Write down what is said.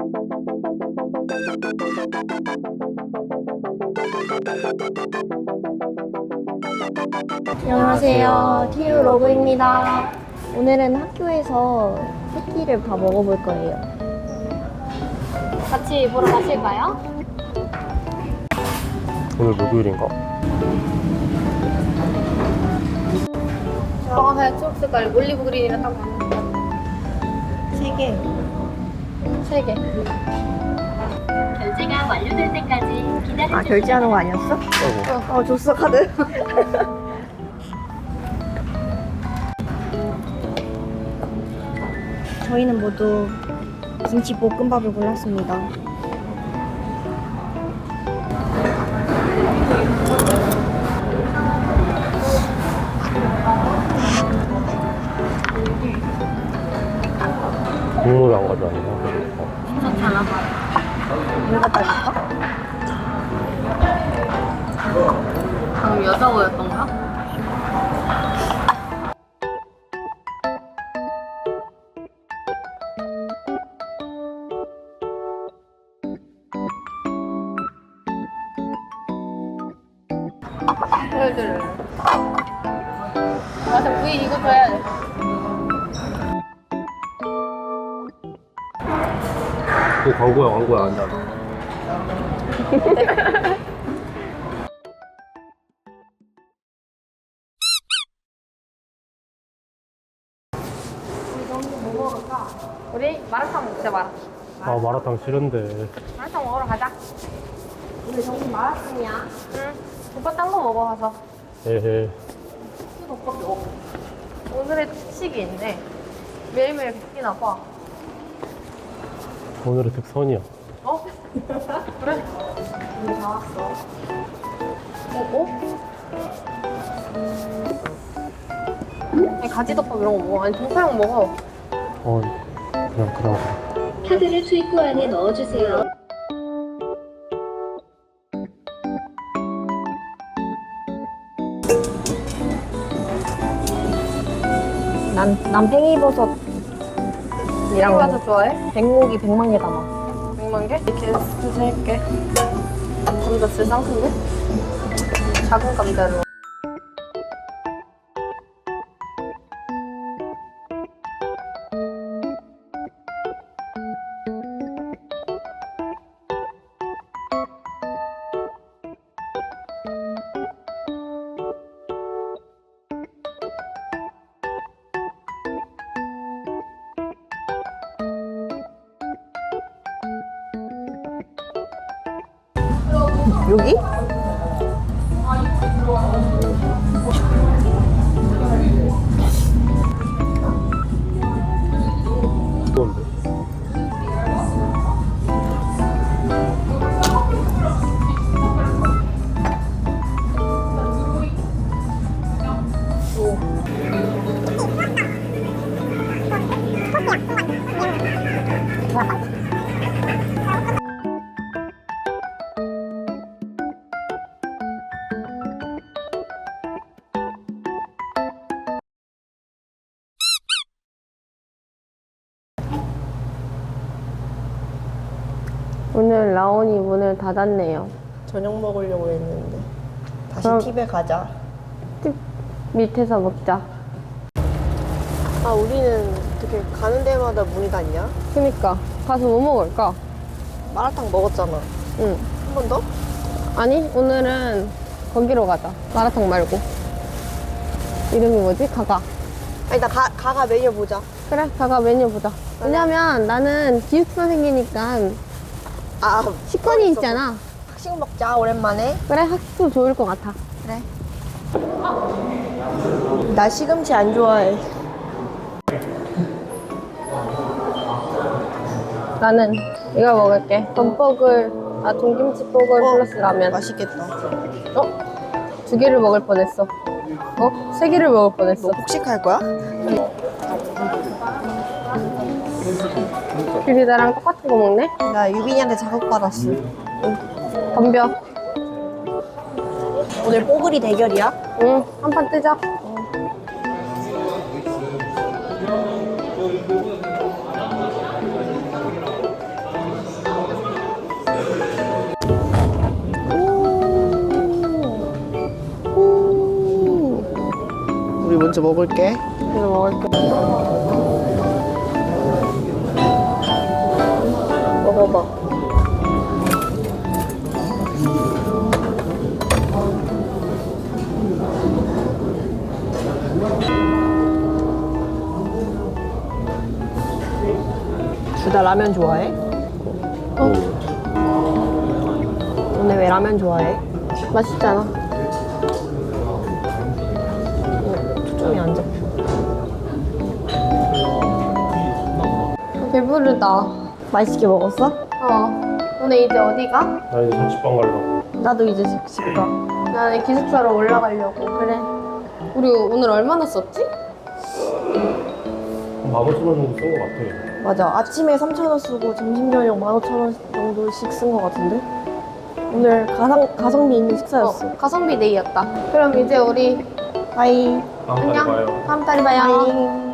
안녕하세요. TU 로그입니다. 오늘은 학교에서 새끼를 다 먹어볼 거예요. 같이 보러 가실까요? 오늘 목요일인가? 하얀 초록색깔 올리브 그린이랑 딱 맞는 거. 3개. 3개. 결제가 완료될 때까지 기다려주세요. 아, 결제하는 거 아니었어? 줬어, 카드. 저희는 모두 김치볶음밥을 골랐습니다. 국물을 안 가져왔나? 괜찮아. 물 갖다 줄까? 방금 여자 보였던가? 그래. 맞아, 부인 이거 줘야 돼. 그 광고야 안 돼. 뭐 먹을까? 우리 마라탕 먹자, 마라탕. 아 마라탕 싫은데. 마라탕 먹으러 가자. 우리 정신 마라탕이야. 응. 오빠 딴 거 먹어 가서. 에헤. 오늘의 특식이 있네. 매일매일 바뀌나 봐. 오늘의 특선이야. 어? 그래? 우리 다 왔어. 아니, 가지덮밥 이런 거 먹어. 아니, 동파육 먹어. 그냥. 카드를 출구 안에 넣어주세요. 난 팽이버섯이랑 팽이버섯 좋아해? 백목이 100만 개 담아. 100만 개? 이렇게 세개. 감자 진짜 쌍큰데? 작은 감자로. 여기? 좋은데. 오늘 라온이 문을 닫았네요. 저녁 먹으려고 했는데 다시 그럼- 팁에 가자. 집 밑에서 먹자. 아, 우리는 어떻게 가는 데마다 문이 닫냐? 그니까 가서 뭐 먹을까? 마라탕 먹었잖아. 응. 한 번 더? 아니, 오늘은 거기로 가자. 마라탕 말고. 이름이 뭐지? 가가. 아니, 나 가가 메뉴 보자. 그래, 가가 메뉴 보자. 왜냐면 나는 기숙사생이니까 아, 식권이 있잖아. 학식 먹자, 오랜만에. 그래, 학식도 좋을 것 같아. 그래. 나 시금치 안 좋아해. 나는 이거 먹을게. 동김치뽀글 플러스 라면. 맛있겠다. 어? 2개를 먹을 뻔했어. 3개를 먹을 뻔했어. 너 폭식할 거야? 귤이 나랑 똑같은 거 먹네? 나 유빈이한테 자극받았어. 덤벼. 오늘 뽀글이 대결이야? 응, 한 판 뜨자. 먼저 먹을게. 이거 먹을게. 먹어봐. 둘 다 라면 좋아해? 너네 왜 라면 좋아해? 맛있잖아. 초점이 안 잡혀. 배부르다. 맛있게 먹었어? 오늘 이제 어디 가? 나 이제 자취방 가려고. 나도 이제 집 가. 나는 기숙사로 올라가려고. 그래. 우리 오늘 얼마나 썼지? 한 15,000원 정도 쓴 것 같아. 맞아. 아침에 3,000원 쓰고 점심 저녁 15,000원 정도씩 쓴 것 같은데? 오늘 가성비 있는 식사였어. 가성비 데이였다. 그럼 이제 우리 바이. 다음 달에 안녕. 봐요. 다음 달에 봐요. 바이.